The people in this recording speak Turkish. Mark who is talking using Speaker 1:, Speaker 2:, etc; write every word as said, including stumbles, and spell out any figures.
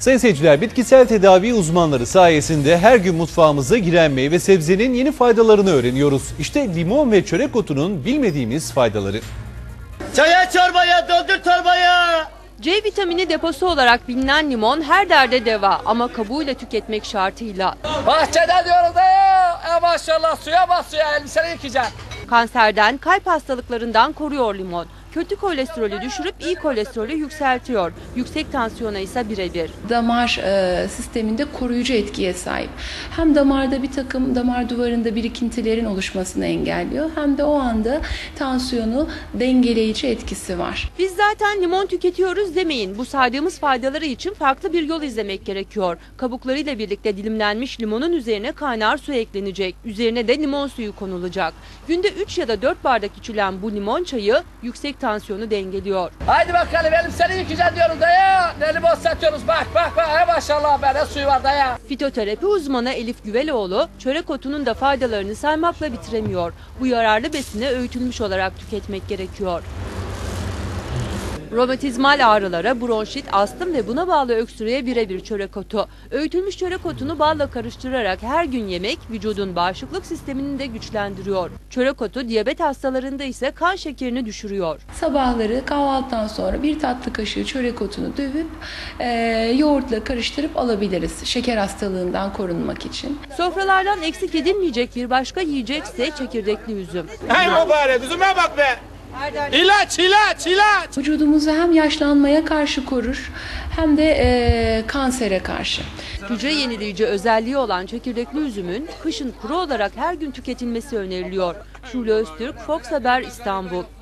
Speaker 1: Sayın seyirciler, bitkisel tedavi uzmanları sayesinde her gün mutfağımıza giren meyve sebzenin yeni faydalarını öğreniyoruz. İşte limon ve çörek otunun bilmediğimiz faydaları.
Speaker 2: Çaya çorbaya, doldur torbaya.
Speaker 3: C vitamini deposu olarak bilinen limon her derde deva ama kabuğuyla tüketmek şartıyla.
Speaker 4: Bahçede diyoruz da ya, e maşallah suya bas suya, elbiseni yıkayacaksın.
Speaker 3: Kanserden, kalp hastalıklarından koruyor limon. Kötü kolesterolü düşürüp iyi kolesterolü yükseltiyor. Yüksek tansiyona ise birebir.
Speaker 5: Damar e, sisteminde koruyucu etkiye sahip. Hem damarda bir takım damar duvarında birikintilerin oluşmasını engelliyor, hem de o anda tansiyonu dengeleyici etkisi var.
Speaker 3: Biz zaten limon tüketiyoruz demeyin. Bu saydığımız faydaları için farklı bir yol izlemek gerekiyor. Kabuklarıyla birlikte dilimlenmiş limonun üzerine kaynar su eklenecek. Üzerine de limon suyu konulacak. Günde üç ya da dört bardak içilen bu limon çayı yüksek tansiyonu dengeliyor.
Speaker 4: Haydi bakalım, elbiseni yıkayacaksın diyoruz da ya. Ne limon satıyoruz, bak bak bak, e maşallah be, ne suyu var da ya.
Speaker 3: Fitoterapi uzmanı Elif Güveloğlu, çörek otunun da faydalarını saymakla bitiremiyor. Bu yararlı besini öğütülmüş olarak tüketmek gerekiyor. Romatizmal ağrılara, bronşit, astım ve buna bağlı öksürüğe birebir çörek otu. Öğütülmüş çörek otunu balla karıştırarak her gün yemek vücudun bağışıklık sistemini de güçlendiriyor. Çörek otu diyabet hastalarında ise kan şekerini düşürüyor.
Speaker 5: Sabahları kahvaltıdan sonra bir tatlı kaşığı çörek otunu dövüp e, yoğurtla karıştırıp alabiliriz şeker hastalığından korunmak için.
Speaker 3: Sofralardan eksik edilmeyecek bir başka yiyecekse çekirdekli üzüm.
Speaker 2: Hey mübarek, üzüme bak be. İlaç, ilaç, ilaç.
Speaker 5: Vücudumuzu hem yaşlanmaya karşı korur, hem de e, kansere karşı.
Speaker 3: Hücre yenileyici özelliği olan çekirdekli üzümün kışın kuru olarak her gün tüketilmesi öneriliyor. Şule Öztürk, Fox Haber, İstanbul.